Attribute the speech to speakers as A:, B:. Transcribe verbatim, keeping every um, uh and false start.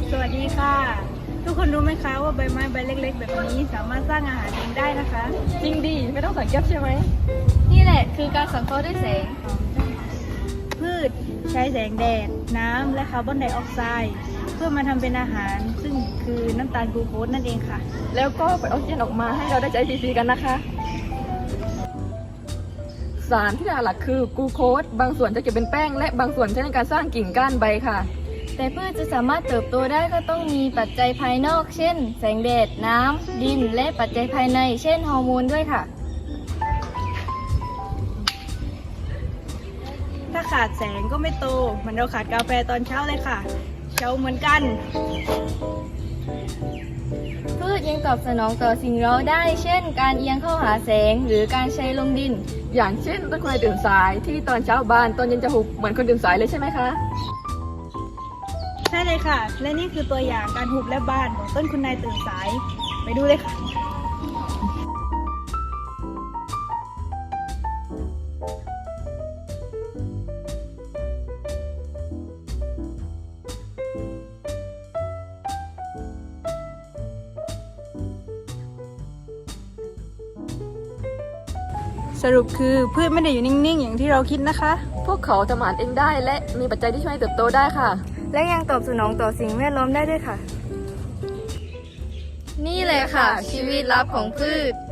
A: สวัสดีค่ะ ทุกคนรู้ไหมคะว่าใบไม้ใบเล็กๆแบบนี้สามารถสร้างอาหารเองได้นะคะ
B: จริงดิไม่ต้องสังเกตใช่ไหม
C: นี่แหละคือการสังเคราะห์ด้วยแสง
A: พืชใช้แสงแดด น้ำและคาร์บอนไดออกไซด์เพื่อมาทำเป็นอาหาร ซึ่งคือน้ำตาลกลูโคสนั่นเองค่ะ
B: แล้วก็ปล่อยออกซิเจนออกมาให้เราได้ใช้ฟรีๆกันนะคะ สารที่หลักคือกลูโคสบางส่วนจะเก็บเป็นแป้งและบางส่วนใช้ในการสร้างกิ่งก้านใบค่ะ
C: แต่พืชจะสามารถเติบโตได้ก็ต้องมีปัจจัยภายนอก เช่น แสงแดด น้ำ ดิน และปัจจัยภายใน เช่น ฮอร์โมนด้วยค่ะ
A: ถ้าขาดแสงก็ไม่โตเหมือนเราขาดกาแฟตอนเช้าเลยค่ะ เช้าเหมือนกัน
C: พืชยังตอบสนองต่อสิ่งเร้าได้ เช่น การเอียงเข้าหาแสง หรือการใช้ลงดิน
B: อย่างเช่นต้นคนตื่นสายที่ตอนเช้าบานตอนเย็นจะหุบเหมือนคนตื่นสายเลยใช่ไหมคะ
A: ใช่เลยค่ะ และนี่คือตัวอย่างการหุบและบานของต้นคุณนายตื่นสาย ไปดูเลยค่ะ สรุปคือพืชไม่ได้อยู่นิ่งๆ อย่างที่เราคิดนะคะ
B: พวกเขาทำอาหารเองได้และมีปัจจัยที่ช่วยให้เติบโตได้ค่ะ
C: และยังตอบสนองต่อสิ่งแวดล้อมได้ด้วยค่ะ นี่แหละค่ะ ชีวิตลับของพืช